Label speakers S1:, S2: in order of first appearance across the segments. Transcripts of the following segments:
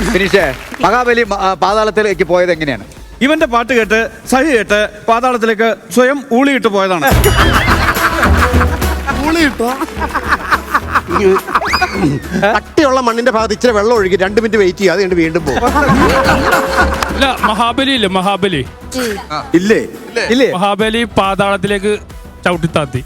S1: ഫിനിഷേ മഹാബലി പാതാളത്തിലേക്ക് പോയത് എങ്ങനെയാണ്?
S2: ഇവന്റെ പാട്ട് കേട്ട് സഹി കേട്ട് പാതാളത്തിലേക്ക് സ്വയം ഊളിയിട്ട് പോയതാണ്.
S3: കട്ടിയുള്ള മണ്ണിന്റെ ഭാഗത്ത് ഇച്ചിരി വെള്ളം ഒഴുകി 2 മിനിറ്റ് വെയിറ്റ് ചെയ്യുക, അത് കഴിഞ്ഞ് വീണ്ടും പോകും.
S4: ഇല്ല, മഹാബലി ഇല്ലേ, മഹാബലി
S1: ഇല്ലേ ഇല്ലേ?
S4: മഹാബലി പാതാളത്തിലേക്ക് ചവിട്ടിത്താത്തി.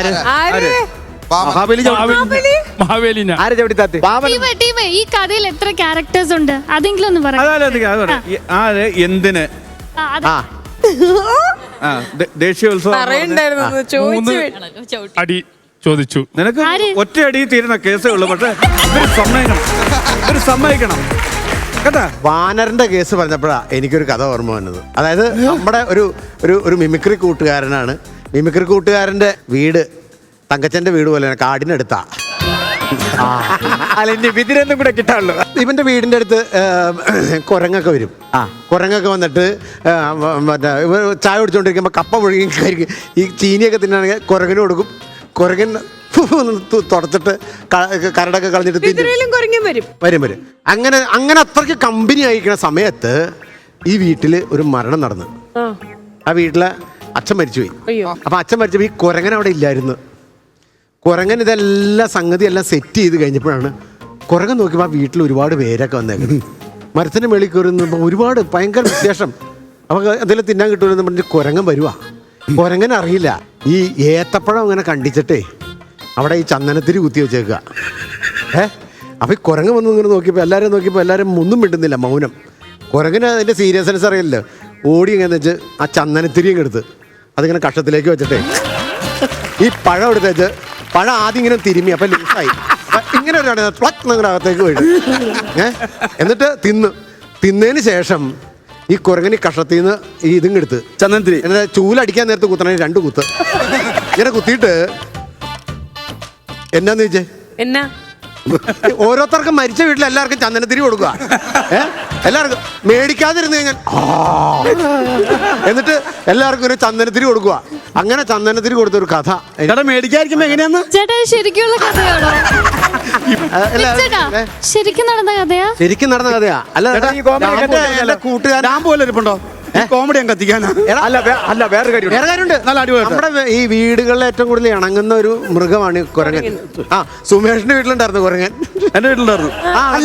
S4: മഹാബലിനെ
S1: ആരെ ചവിട്ടിത്താത്തി?
S5: ഈ കഥയിൽ എത്ര ക്യാരക്ടേഴ്സ് ഉണ്ട്? അതെങ്കിലും ഒന്ന് പറയാം.
S2: ആര് എന്തിന് ദേശീയോത്സവം
S4: അടി ചോദിച്ചു.
S2: നിനക്ക് ഒറ്റയടി തീരുന്ന കേസേ ഉള്ളൂ. പക്ഷെ ഇവര് സമ്മതിക്കണം കേട്ടാ.
S3: വാനറിന്റെ കേസ് പറഞ്ഞപ്പോഴാണ് എനിക്കൊരു കഥ ഓർമ്മ വന്നത്. അതായത് നമ്മുടെ ഒരു മിമിക്രി കൂട്ടുകാരനാണ്. മിമിക്രി കൂട്ടുകാരന്റെ വീട് തങ്കച്ചന്റെ വീട് പോലെയാണ്, കാടിനടുത്താ.
S1: അല്ല ഇനി വിതിരൊന്നും കൂടെ കിട്ടാണല്ലോ.
S3: ഇവന്റെ വീടിന്റെ അടുത്ത് കുരങ്ങൊക്കെ വരും. കുരങ്ങൊക്കെ വന്നിട്ട് മറ്റേ ചായ കുടിച്ചോണ്ടിരിക്കുമ്പോ കപ്പ പുഴുകി ഈ ചീനിയൊക്കെ തിന്നാണെങ്കിൽ കുരങ്ങന് കൊടുക്കും. കുരങ്ങൻ തുടച്ചിട്ട് കരടൊക്കെ കളഞ്ഞിട്ട് വരും. അങ്ങനെ അത്രയ്ക്ക് കമ്പനി അയക്കുന്ന സമയത്ത് ഈ വീട്ടില് ഒരു മരണം നടന്നു. ആ വീട്ടിലെ അച്ഛൻ മരിച്ചുപോയി. അപ്പൊ അച്ഛൻ മരിച്ചപ്പോ ഈ കുരങ്ങൻ അവിടെ ഇല്ലായിരുന്നു. കുരങ്ങൻ ഇതെല്ലാം സംഗതി എല്ലാം സെറ്റ് ചെയ്ത് കഴിഞ്ഞപ്പോഴാണ് കുരങ്ങൻ നോക്കിയപ്പോൾ ആ വീട്ടിൽ ഒരുപാട് പേരൊക്കെ വന്നേക്കുന്നത്. മരത്തിന് മേളിൽ കയറുന്ന ഒരുപാട് ഭയങ്കര വിശേഷം. അപ്പോൾ എന്തെങ്കിലും തിന്നാൻ കിട്ടുമെന്ന് പറഞ്ഞിട്ട് കുരങ്ങൻ വരുവാ. കുരങ്ങൻ അറിയില്ല ഈ ഏത്തപ്പഴം അങ്ങനെ കണ്ടിച്ചിട്ടേ അവിടെ ഈ ചന്ദനത്തിരി കുത്തി വെച്ചേക്കുക. അപ്പോൾ ഈ കുരങ്ങൻ വന്ന് ഇങ്ങനെ നോക്കിയപ്പോൾ എല്ലാവരും ഒന്നും മിണ്ടുന്നില്ല, മൗനം. കുരങ്ങന് അതിൻ്റെ സീരിയസ്നെസ് അറിയില്ല. ഓടി എങ്ങനെ വെച്ച് ആ ചന്ദനത്തിരിയും എടുത്ത് അതിങ്ങനെ കഷത്തിലേക്ക് വെച്ചിട്ടേ ഈ പഴം എടുത്ത് വെച്ച് പഴം ആദ്യം ഇങ്ങനെ തിരുമ്മി, അപ്പം ലൂസായി. അപ്പം ഇങ്ങനെ ഒരു അകത്തേക്ക് പോയിട്ട് എന്നിട്ട് തിന്നതിന് ശേഷം ഈ കുരങ്ങനി കഷത്തിൽ നിന്ന് ഈ ഇതും എടുത്ത് ചന്ദനത്തിരി എന്നിട്ട് ചൂലടിക്കാൻ നേരത്ത് കുത്തണേ 2 കുത്ത് ഇങ്ങനെ കുത്തിയിട്ട് എന്നാന്ന് ചോദിച്ചേ എന്നാ ഓരോരുത്തർക്കും മരിച്ച വീട്ടിൽ എല്ലാവർക്കും ചന്ദനത്തിരി കൊടുക്കുക. എല്ലാവർക്കും മേടിക്കാതിരുന്ന് കഴിഞ്ഞാൽ എന്നിട്ട് എല്ലാവർക്കും ഒരു ചന്ദനത്തിരി കൊടുക്കുക. അങ്ങനെ ചന്ദനത്തിരി കൊടുത്തൊരു കഥ മേടിക്കാതിരിക്കുമ്പോ എങ്ങനെയാന്ന്
S5: ചേട്ടാ ശരിക്കുള്ള കഥയാണോ? ശരിക്കും നടന്ന കഥയാ?
S3: ശരിക്കും നടന്ന കഥയാ. അല്ല കൂട്ടുകാരൻ പോലെ ഇരിപ്പുണ്ടോ? കോമഡി കത്തിക്കാനാ?
S1: അല്ല വേറെ കാര്യമുണ്ട്.
S3: നമ്മുടെ ഈ വീടുകളിൽ ഏറ്റവും കൂടുതൽ ഇണങ്ങുന്ന ഒരു മൃഗമാണ് കുരങ്ങൻ. സുമേഷിന്റെ വീട്ടിലുണ്ടായിരുന്നു കുരങ്ങൻ.
S1: എന്റെ വീട്ടിലുണ്ടായിരുന്നു.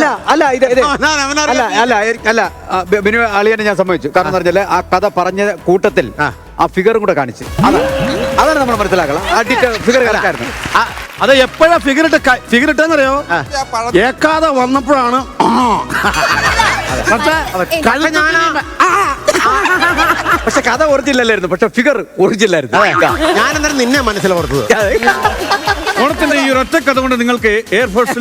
S1: അല്ല ബിനു അളിയനെ ഞാൻ സമ്മതിച്ചു. കാരണം എന്ന് പറഞ്ഞാൽ ആ കഥ പറഞ്ഞ കൂട്ടത്തിൽ ആ ഫിഗറും കൂടെ കാണിച്ചു. അതാണ് നമ്മൾ മനസ്സിലാക്കണം. ഫിഗർ കറക്റ്റായിരുന്നു.
S2: അത് എപ്പോഴാ ഫിഗർ ഇട്ടെന്നറിയോ? ഏക്കാതെ വന്നപ്പോഴാണ്.
S1: പക്ഷെ കഥ ഒറിജിനലായിരുന്നു, പക്ഷെ ഫിഗർ ഒറിജിനലായിരുന്നു.
S3: ഞാൻ എന്തായാലും നിന്നെ മനസ്സിലോർത്തത്.
S2: ഓണത്തിന്റെ ഈ ഒറ്റ കഥ കൊണ്ട് നിങ്ങൾക്ക് എയർഫോഴ്സിൽ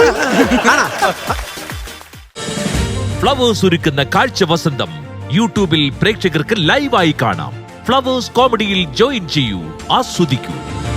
S6: ഫ്ലവേഴ്സ് ഒരുക്കുന്ന കാഴ്ച വസന്തം യൂട്യൂബിൽ പ്രേക്ഷകർക്ക് ലൈവായി കാണാം. ഫ്ലവേഴ്സ് കോമഡിയിൽ ജോയിൻ ചെയ്യൂ, ആസ്വദിക്കൂ.